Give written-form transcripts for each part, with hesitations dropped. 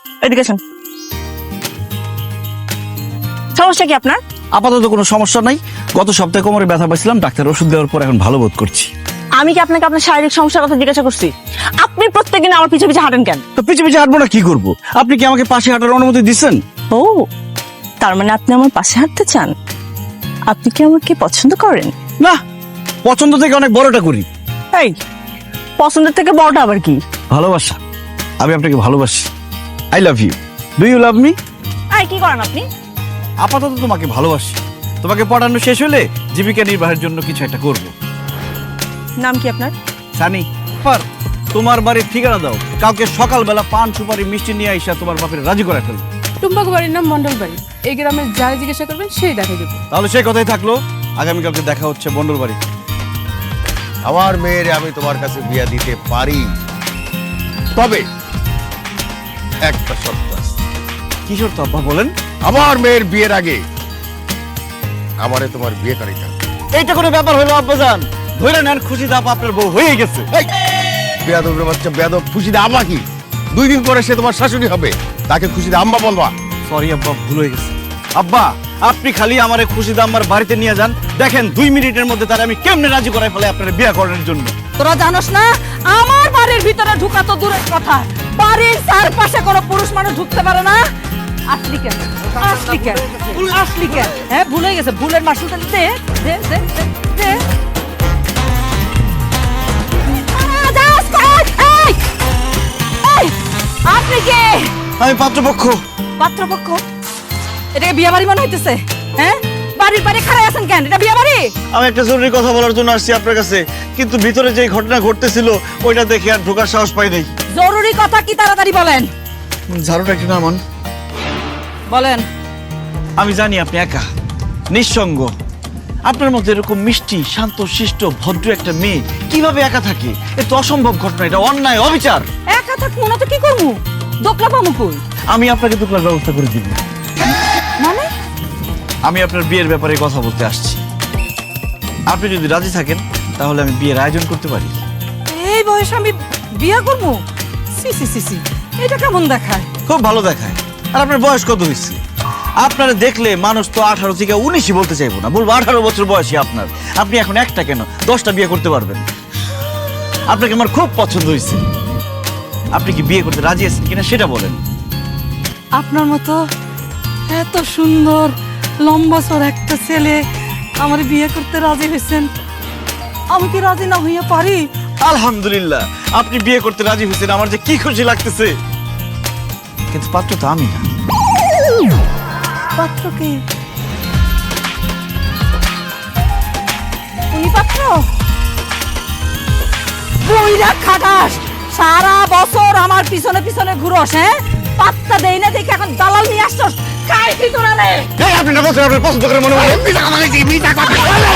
এদিকে আসুন। সমস্যা কি আপনার? আপাতত কোনো সমস্যা নাই। গত সপ্তাহে কোমরে ব্যথা পাইছিলাম, ডাক্তার ওষুধ দেওয়ার পর এখন ভালো বোধ করছি। আমি কি আপনাকে আপনার শারীরিক সমস্যার কথা জিজ্ঞাসা করছি? আপনি প্রত্যেকদিন আমার পিছে পিছে হাঁটেন কেন? তো পিছে পিছে হাঁটবো না কি করব? আপনি কি আমাকে পাশে হাঁটার অনুমতি দিচ্ছেন? ও, তার মানে আপনি আমার পাশে হাঁটতে চান? আপনি কি আমাকে পছন্দ করেন? না, পছন্দ থেকে অনেক বড়টা করি। এই, পছন্দের থেকে বড়টা আবার কি? ভালোবাসা। আমি আপনাকে ভালোবাসি। I love you. Do you love me? এই, কি করেন আপনি? আপাতত তোমাকে ভালোবাসি। তোমাকে পড়ানো শেষ হলে জীবিকা নির্বাহের জন্য কিছু একটা করব। নাম কি আপনার? সানি। পার তোমার বাড়ির ঠিকানা দাও, কালকে সকালবেলা পান সুপারি মিষ্টি নিয়ে আইসা তোমার বাপের রাজি করে ফেলবো। টুম্পাকু বাড়ির নাম মন্ডল বাড়ি। এই গ্রামের যারা জিজ্ঞাসা করবেন সেই দেখাই দেবো। তাহলে সেই কথাই থাকলো, আগামীকালকে দেখা হচ্ছে বন্ডল বাড়ি। আমার মেয়ের আমি তোমার কাছে বিয়া দিতে পারি, তবে একটা শর্ত আছে। কি শর্ত আব্বা বলেন? আমার মেয়ের বিয়ের আগে আমারে তোমার বিয়ে করাইতে হবে। এইটা কোনো ব্যাপার হলো আব্বাজান? ধরে নেন খুশি দাপ আপনার বউ হয়ে গেছে। বেয়াদবের বাচ্চা বেয়াদব, খুশিতে আম্মা কি? 2 দিন পরে সে তোমার শাশুড়ি হবে, তাকে খুশিতে আম্মা বলবা। সরি আব্বা, ভুল হয়ে গেছে। আব্বা, আপনি খালি আমারে খুশি দাম্মার বাড়িতে নিয়ে যান, দেখেন 2 মিনিটের মধ্যে তার আমি কেমনে রাজি করাই ফেলে আপনার বিয়ে করার জন্য। তোরা জানোস না আমার বাড়ির ভিতরে ঢুকা তো দূরের কথা, বাড়ির চারপাশে কোনো পুরুষ মানুষ ঢুকতে পারে না। আসলি কেন? আসলি কেন? আসলি কেন? হ্যাঁ, ভুলে গেছে। ভুলের মাসুলটা দে দে দে দে, দে। যাস কই? এই! এই! আপনি কে? আমি পাত্রপক্ষ। পাত্রপক্ষ? এটাকে বিয়ে বাড়ি মনে হইতেছে? হ্যাঁ, বাড়ির বাইরে খাড়াই আছেন কেন? এটা বিয়ে বাড়ি? আমি একটা জরুরি কথা বলার জন্য আসছি আপনার কাছে, কিন্তু ভিতরে যে ঘটনা ঘটতেছিল ওইটা দেখে আর ঢোকার সাহস পাই নাই। জরুরি কথা কি তাড়াতাড়ি বলেন। ঝাড়ুটা একটু নামান। বলেন। আমি জানি আপনি একা, নিঃসঙ্গ। আপনার মধ্যে এরকম মিষ্টি, শান্ত, শিষ্ট, ভদ্র একটা মেয়ে কিভাবে একা থাকে? এ তো অসম্ভব ঘটনা, এটা অন্যায়, অবিচার। একা থাকবো না তো কি করবো? দোকলা পামু কই? আমি আপনাকে দোকলার ব্যবস্থা করে দিব। মানে? আমি আপনার বিয়ের ব্যাপারে কথা বলতে আসছি। আপনি যদি রাজি থাকেন তাহলে আমি বিয়ের আয়োজন করতে পারি। এই বয়সে আমি বিয়ে করবো? সি সি সি সি, এটা কেমন দেখায়? খুব ভালো দেখায়। আর আপনার বয়স কত হয়েছে? আপনারা দেখলে মানুষ তো 18 থেকে 19ই বলতে চাইবো না, বলবো 18 বছর বয়সী আপনার। আপনি এখন একটা কেন 10টা বিয়ে করতে পারবেন। আপনাকে আমার খুব পছন্দ হয়েছে। আপনি কি বিয়ে করতে রাজি আছেন কিনা সেটা বলেন। আপনার মতো এত সুন্দর লম্বাসর একটা ছেলে আমার বিয়ে করতে রাজি হয়েছেন, আমি কি রাজি না হইয়া পারি? আলহামদুলিল্লাহ, আপনি বিয়ে করতে রাজি হয়েছেন, আমার যে কি খুশি লাগতেছে। কিন্তু পাত্র তো আমি না। পাত্রকে? উনি পাত্র? বইরা খাটাস, সারা বছর আমার পিছনে পিছনে ঘুরস, হ্যাঁ? পাত্তা দেই না দেখে এখন দালাল নিয়ে আসছস। কাই কি তোরা রে? এই আপনি না বলছেন আপনার পছন্দ করে মনে হয় মিথ্যা কথা।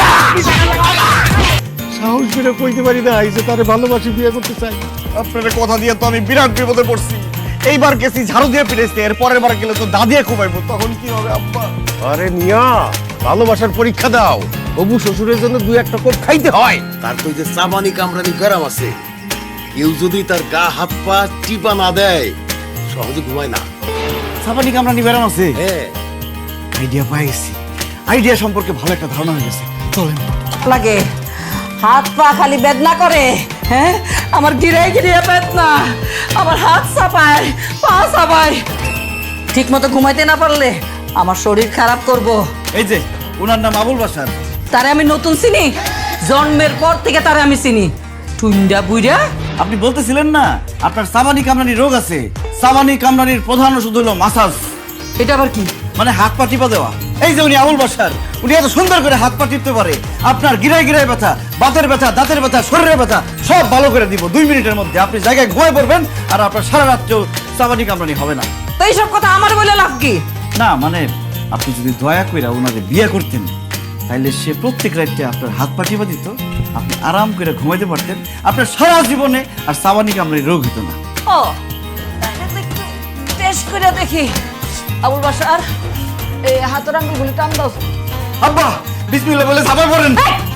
সাহস করে কইতে পারি না এই যে তারে ভালোবাসি, বিয়ে করতে চাই। আপনার কথা দিয়ে তো আমি বিরাট বিপদে পড়ছি। এইবার গেছি ঝাড়ু দিয়ে পিড়েছি, এর পরের বার গেলে তো দাদিয়ে খুবাইবো, তখন কি হবে আব্বা? আরে মিয়া, ভালোবাসার পরীক্ষা দাও। হবু শ্বশুরের জন্য 2-1 কোপ খাইতে হয়। তার তো যে চাবানি কামরানি গরম আছে, কেউ যদি তার গা হাত পা টিপা না দেয় সহজে ঘুমায় না। সাবানি কামরানি ব্যারাম আছে। হ্যাঁ, আইডিয়া পাই গেছি। আইডিয়া সম্পর্কে ভালো একটা ধারণা হয়ে গেছে, চলেন। লাগে হাত পা খালি বেদনা করে, হ্যাঁ? আমার গিরে গিরে বেদনা, আমার হাত চাপায়, পা চাপায়। ঠিক মতো ঘুমাইতে না পারলে আমার শরীর খারাপ করব। এই যে ওনার নাম আবুল বাসার। তারে আমি নতুন চিনি, জন্মের পর থেকে তারে আমি চিনি। টুইন্ডা বুইরা। আপনি বলতেছিলেন না আপনার সাবানি কামরানি রোগ আছে? সাবানি কামরানির প্রধান ওষুধ হলো মাসাজ। এটা আবার কি? মানে হাত পা টিপা দেওয়া। এই যে উনি আবুল বাসার, উনি এত সুন্দর করে হাত পা টিপতে পারে। আপনার গিরায় গিরায় ব্যথা, বাতের ব্যথা, দাঁতের ব্যথা, শরীরের ব্যথা সব ভালো করে দিব 2 মিনিটের মধ্যে। আপনি জায়গায় ঘুমায় পড়বেন আর আপনার সারা রাত্রেও সাবানি কামরানি হবে না। তো এইসব কথা আমার বলে লাভ কি? না মানে আপনি যদি দয়া করে ওনারে বিয়ে করতেন তাইলে সে প্রত্যেক রাতে আপনার হাত পা টিপা দিত, আপনি আরাম করে ঘুমাইতে পারতেন, আপনার সারা জীবনে আর সাবানি কামরানি রোগ হতো না। ও, তাহলে একটু টেস্ট করে দেখি। আবুল বাসার এই হাতের আঙ্গুলগুলি টান দাও। আব্বা বিসমিল্লাহ বলে সাবান পড়েন। এই,